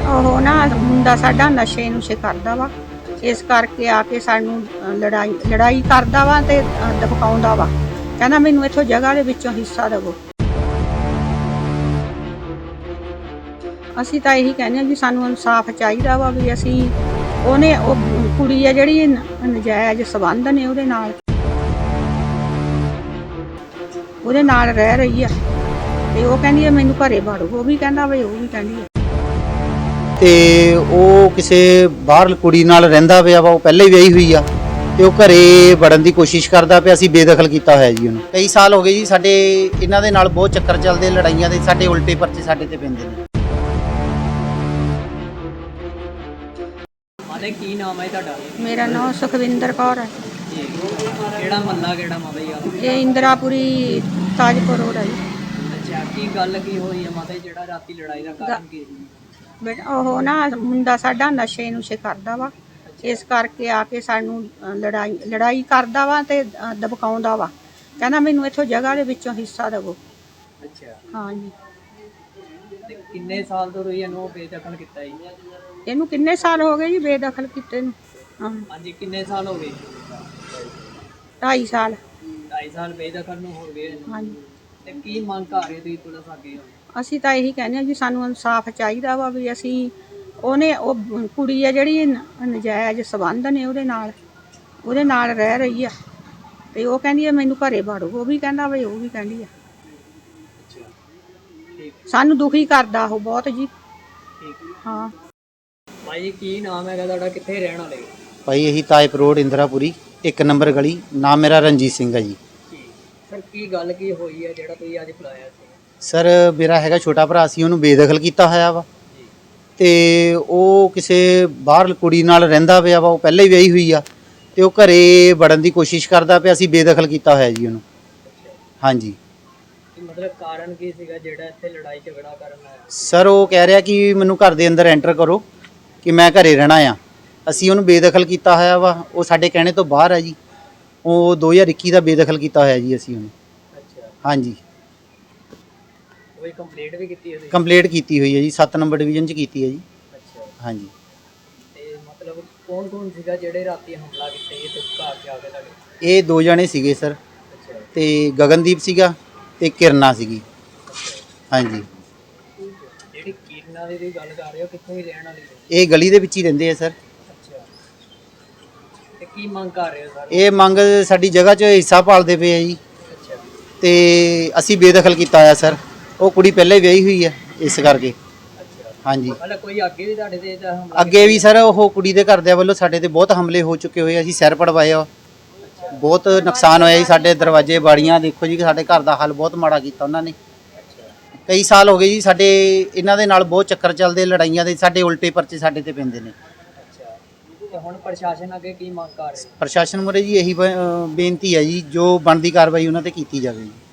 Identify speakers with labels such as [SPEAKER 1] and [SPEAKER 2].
[SPEAKER 1] ਉਹ ਨਾ ਮੁੰਡਾ ਸਾਡਾ ਨਸ਼ੇ ਨੁਸ਼ੇ ਕਰਦਾ ਵਾ, ਇਸ ਕਰਕੇ ਆ ਕੇ ਸਾਨੂੰ ਲੜਾਈ ਕਰਦਾ ਵਾ ਤੇ ਦਬਕਾਉਂਦਾ ਵਾ। ਕਹਿੰਦਾ ਮੈਨੂੰ ਇੱਥੋਂ ਜਗ੍ਹਾ ਦੇ ਵਿੱਚੋਂ ਹਿੱਸਾ ਦੇਵੋ। ਅਸੀਂ ਤਾਂ ਇਹੀ ਕਹਿੰਦੇ ਹਾਂ ਵੀ ਸਾਨੂੰ ਇਨਸਾਫ ਚਾਹੀਦਾ ਵਾ ਵੀ ਅਸੀਂ ਉਹ ਕੁੜੀ ਆ ਜਿਹੜੀ ਨਜਾਇਜ਼ ਸੰਬੰਧ ਨੇ ਉਹਦੇ ਨਾਲ ਰਹਿ ਰਹੀ ਆ ਤੇ ਉਹ ਕਹਿੰਦੀ ਹੈ ਮੈਨੂੰ ਘਰੇ ਵੜੋ। ਉਹ ਵੀ ਕਹਿੰਦਾ ਵੀ ਉਹ ਵੀ ਕਹਿੰਦੀ ਹੈ
[SPEAKER 2] ਤੇ ਉਹ ਕਿਸੇ ਬਾਹਰ ਕੁੜੀ ਨਾਲ ਰਹਿੰਦਾ ਪਿਆ ਵਾ। ਉਹ ਪਹਿਲਾਂ ਹੀ ਵਿਆਹੀ ਹੋਈ ਆ ਤੇ ਉਹ ਘਰੇ ਵੜਨ ਦੀ ਕੋਸ਼ਿਸ਼ ਕਰਦਾ ਪਿਆ। ਅਸੀਂ ਬੇਦਖਲ ਕੀਤਾ ਹੋਇਆ ਜੀ ਉਹਨੂੰ। ਕਈ ਸਾਲ ਹੋ ਗਏ ਜੀ ਸਾਡੇ ਇਹਨਾਂ ਦੇ ਨਾਲ ਬਹੁਤ ਚੱਕਰ ਚੱਲਦੇ, ਲੜਾਈਆਂ ਦੇ। ਸਾਡੇ ਉਲਟੇ ਪਰਚੇ ਸਾਡੇ ਤੇ ਪੈਂਦੇ ਨੇ।
[SPEAKER 3] ਮਾਤਾ ਕੀ ਨਾਮ ਹੈ ਤੁਹਾਡਾ?
[SPEAKER 1] ਮੇਰਾ ਨਾਮ ਸੁਖਵਿੰਦਰ ਕੌਰ ਹੈ।
[SPEAKER 3] ਕਿਹੜਾ ਮਹੱਲਾ ਕਿਹੜਾ ਮਾਤਾ ਜੀ?
[SPEAKER 1] ਇਹ ਇੰਦਰਾਪੁਰੀ ਤਾਜਪੁਰ ਰੋਡ ਹੈ ਜੀ।
[SPEAKER 3] ਅੱਛਾ, ਕੀ ਗੱਲ ਕੀ ਹੋਈ ਹੈ ਮਾਤਾ ਜੀ? ਜਿਹੜਾ ਰਾਤੀ ਲੜਾਈ ਦਾ ਕਾਰਨ ਕੀ ਸੀ?
[SPEAKER 1] ਬੇਟਾ ਉਹ ਨਾ ਮੁੰਡਾ ਸਾਡਾ ਨਸ਼ੇ ਨੁਸ਼ੇ ਕਰਦਾ ਵਾ, ਇਸ ਕਰਕੇ ਆ ਕੇ ਸਾਨੂੰ ਲੜਾਈ ਕਰਦਾ ਵਾ ਤੇ ਦਬਕਾਉਂਦਾ ਵਾ। ਕਹਿੰਦਾ ਮੈਨੂੰ ਇੱਥੋਂ ਜਗ੍ਹਾ ਦੇ ਵਿੱਚੋਂ ਹਿੱਸਾ ਦੇਵੋ।
[SPEAKER 3] ਅੱਛਾ,
[SPEAKER 1] ਹਾਂਜੀ।
[SPEAKER 3] ਤੇ ਕਿੰਨੇ ਸਾਲ ਤੋਂ ਰਹੀ ਇਹਨੂੰ ਬੇਦਖਲ ਕੀਤਾ ਜੀ?
[SPEAKER 1] ਇਹਨੂੰ ਕਿੰਨੇ ਸਾਲ ਹੋ ਗਏ ਜੀ ਬੇਦਖਲ ਕੀਤੇ ਨੂੰ?
[SPEAKER 3] ਹਾਂਜੀ, ਕਿੰਨੇ ਸਾਲ ਹੋ ਗਏ?
[SPEAKER 1] 2.5 ਸਾਲ।
[SPEAKER 3] 2.5 ਸਾਲ ਬੇਦਖਲ ਨੂੰ ਹੋ ਗਏ।
[SPEAKER 1] ਹਾਂਜੀ।
[SPEAKER 3] ਤੇ ਕੀ ਮੰਗ ਕਰ ਰਹੇ ਤੁਸੀਂ ਪੁਲਿਸ ਅੱਗੇ?
[SPEAKER 1] ਅਸੀਂ ਤਾਂ ਇਹੀ ਕਹਿੰਦੇ ਹਾਂ ਜੀ ਸਾਨੂੰ ਇਨਸਾਫ ਚਾਹੀਦਾ ਵਾ ਵੀ ਅਸੀਂ ਉਹ ਕੁੜੀ ਆ ਜਿਹੜੀ ਨਜਾਇਜ਼ ਸੰਬੰਧ ਨੇ ਉਹਦੇ ਨਾਲ ਰਹਿ ਰਹੀ ਆ ਤੇ ਉਹ ਕਹਿੰਦੀ ਹੈ ਮੈਨੂੰ ਘਰੇ ਵੜੋ। ਉਹ ਵੀ ਕਹਿੰਦਾ ਵੀ ਉਹ ਵੀ ਕਹਿੰਦੀ ਆ। ਸਾਨੂੰ ਦੁਖੀ ਕਰਦਾ ਉਹ ਬਹੁਤ ਜੀ। ਹਾਂ
[SPEAKER 3] ਭਾਈ ਜੀ, ਕੀ ਨਾਮ ਹੈਗਾ ਤੁਹਾਡਾ? ਕਿੱਥੇ ਰਹਿਣ ਵਾਲੇ?
[SPEAKER 2] ਭਾਈ ਇਹੀ ਤਾਜਪੁਰ ਰੋਡ ਇੰਦਰਾਪੁਰੀ 1 ਨੰਬਰ ਗਲੀ। ਨਾਮ ਮੇਰਾ ਰਣਜੀਤ ਸਿੰਘ ਹੈ ਜੀ।
[SPEAKER 3] ਸਰ, ਕੀ ਗੱਲ ਕੀ ਹੋਈ ਹੈ ਜਿਹੜਾ ਤੁਸੀਂ ਅੱਜ ਬੁਲਾਇਆ ਸੀ?
[SPEAKER 2] ਸਰ ਮੇਰਾ ਹੈਗਾ ਛੋਟਾ ਭਰਾ ਸੀ, ਉਹਨੂੰ ਬੇਦਖਲ ਕੀਤਾ ਹੋਇਆ ਵਾ ਤੇ ਉਹ ਕਿਸੇ ਬਾਹਰ ਕੁੜੀ ਨਾਲ ਰਹਿੰਦਾ ਪਿਆ ਵਾ। ਉਹ ਪਹਿਲਾਂ ਹੀ ਵਿਆਹੀ ਹੋਈ ਆ ਤੇ ਉਹ ਘਰੇ ਵੜਨ ਦੀ ਕੋਸ਼ਿਸ਼ ਕਰਦਾ ਪਿਆ। ਅਸੀਂ ਬੇਦਖਲ ਕੀਤਾ ਹੋਇਆ ਜੀ ਉਹਨੂੰ। ਹਾਂਜੀ।
[SPEAKER 3] ਮਤਲਬ ਕਾਰਨ ਕੀ ਸੀਗਾ ਜਿਹੜਾ ਇੱਥੇ ਲੜਾਈ ਝਗੜਾ ਕਰਨ ਆਇਆ?
[SPEAKER 2] ਸਰ ਉਹ ਕਹਿ ਰਿਹਾ ਕਿ ਮੈਨੂੰ ਘਰ ਦੇ ਅੰਦਰ ਐਂਟਰ ਕਰੋ ਕਿ ਮੈਂ ਘਰੇ ਰਹਿਣਾ ਆ। ਅਸੀਂ ਉਹਨੂੰ ਬੇਦਖਲ ਕੀਤਾ ਹੋਇਆ ਵਾ। ਉਹ ਸਾਡੇ ਕਹਿਣੇ ਤੋਂ ਬਾਹਰ ਆ ਜੀ। ਉਹ 2021 ਦਾ ਬੇਦਖਲ ਕੀਤਾ ਹੋਇਆ ਜੀ ਅਸੀਂ ਉਹਨੂੰ।
[SPEAKER 3] ਅੱਛਾ।
[SPEAKER 2] ਹਾਂਜੀ।
[SPEAKER 3] ਕੋਈ ਕੰਪਲੇਂਟ ਵੀ ਕੀਤੀ ਹੋਈ?
[SPEAKER 2] ਕੰਪਲੇਂਟ ਕੀਤੀ ਹੋਈ ਹੈ ਜੀ, 7 ਨੰਬਰ ਡਿਵੀਜ਼ਨ 'ਚ ਕੀਤੀ ਹੈ ਜੀ।
[SPEAKER 3] ਅੱਛਾ।
[SPEAKER 2] ਹਾਂਜੀ।
[SPEAKER 3] ਤੇ ਮਤਲਬ ਕੌਣ ਸੀਗਾ ਜਿਹੜੇ ਰਾਤੀ ਹਮਲਾ ਕੀਤਾ ਇਹ ਘਰ 'ਚ ਆ ਕੇ ਤੁਹਾਡੇ?
[SPEAKER 2] ਇਹ 2 ਜਣੇ ਸੀਗੇ ਸਰ।
[SPEAKER 3] ਅੱਛਾ।
[SPEAKER 2] ਤੇ ਗਗਨਦੀਪ ਸੀਗਾ ਤੇ ਕਿਰਨਾ ਸੀਗੀ। ਹਾਂਜੀ।
[SPEAKER 3] ਜਿਹੜੀ ਕਿਰਨਾ ਦੀ ਗੱਲ ਕਰ ਰਹੇ ਹੋ, ਕਿੱਥੋਂ ਹੀ ਰਹਿਣ ਵਾਲੀ ਹੈ?
[SPEAKER 2] ਇਹ ਗਲੀ ਦੇ ਵਿੱਚ ਹੀ ਰਹਿੰਦੇ ਆ ਸਰ।
[SPEAKER 3] ਅੱਛਾ। ਤੇ ਕੀ ਮੰਗ ਕਰ ਰਹੇ ਹੋ ਸਰ?
[SPEAKER 2] ਇਹ ਮੰਗ ਸਾਡੀ ਜਗ੍ਹਾ 'ਚ ਹਿੱਸਾ ਪਾਲਦੇ ਪਏ ਆ ਜੀ
[SPEAKER 3] ਅੱਛਾ।
[SPEAKER 2] ਤੇ ਅਸੀਂ ਬੇਦਖਲ ਕੀਤਾ ਹੋਇਆ ਸਰ। ਉਹ ਕੁੜੀ ਪਹਿਲਾਂ ਹੀ ਵਿਆਹੀ ਹੋਈ ਆ ਇਸ ਕਰਕੇ।
[SPEAKER 3] ਅੱਛਾ।
[SPEAKER 2] ਹਾਂਜੀ।
[SPEAKER 3] ਮਤਲਬ ਕੋਈ ਅੱਗੇ ਵੀ ਤੁਹਾਡੇ ਤੇ ਹਮਲਾ?
[SPEAKER 2] ਅੱਗੇ ਵੀ ਸਰ ਉਹ ਕੁੜੀ ਦੇ ਘਰਦਿਆਂ ਵੱਲੋਂ ਸਾਡੇ ਤੇ ਬਹੁਤ ਹਮਲੇ ਹੋ ਚੁੱਕੇ ਹੋਏ। ਅਸੀਂ ਸਿਰ ਪੜਵਾਏ ਆ। ਬਹੁਤ ਨੁਕਸਾਨ ਹੋਇਆ ਜੀ। ਸਾਡੇ ਦਰਵਾਜ਼ੇ ਬਾੜੀਆਂ ਦੇਖੋ ਜੀ। ਸਾਡੇ ਘਰ ਦਾ ਹਾਲ ਬਹੁਤ ਮਾੜਾ ਕੀਤਾ ਉਹਨਾਂ ਨੇ। ਕਈ ਸਾਲ ਹੋ ਗਏ ਜੀ ਸਾਡੇ ਇਹਨਾਂ ਦੇ ਨਾਲ ਬਹੁਤ ਚੱਕਰ ਚੱਲਦੇ, ਲੜਾਈਆਂ ਦੇ। ਸਾਡੇ ਉਲਟੇ ਪਰਚੇ ਸਾਡੇ ਤੇ ਪੈਂਦੇ ਨੇ।
[SPEAKER 3] ਅੱਛਾ। ਤੇ ਹੁਣ ਪ੍ਰਸ਼ਾਸਨ ਅੱਗੇ ਕੀ ਮੰਗ ਕਰ ਰਹੇ?
[SPEAKER 2] ਪ੍ਰਸ਼ਾਸਨ ਮੁਰੇ ਜੀ ਇਹੀ ਬੇਨਤੀ ਹੈ ਜੀ, ਜੋ ਬਣਦੀ ਕਾਰਵਾਈ ਉਹਨਾਂ ਤੇ ਕੀਤੀ ਜਾਵੇ ਜੀ।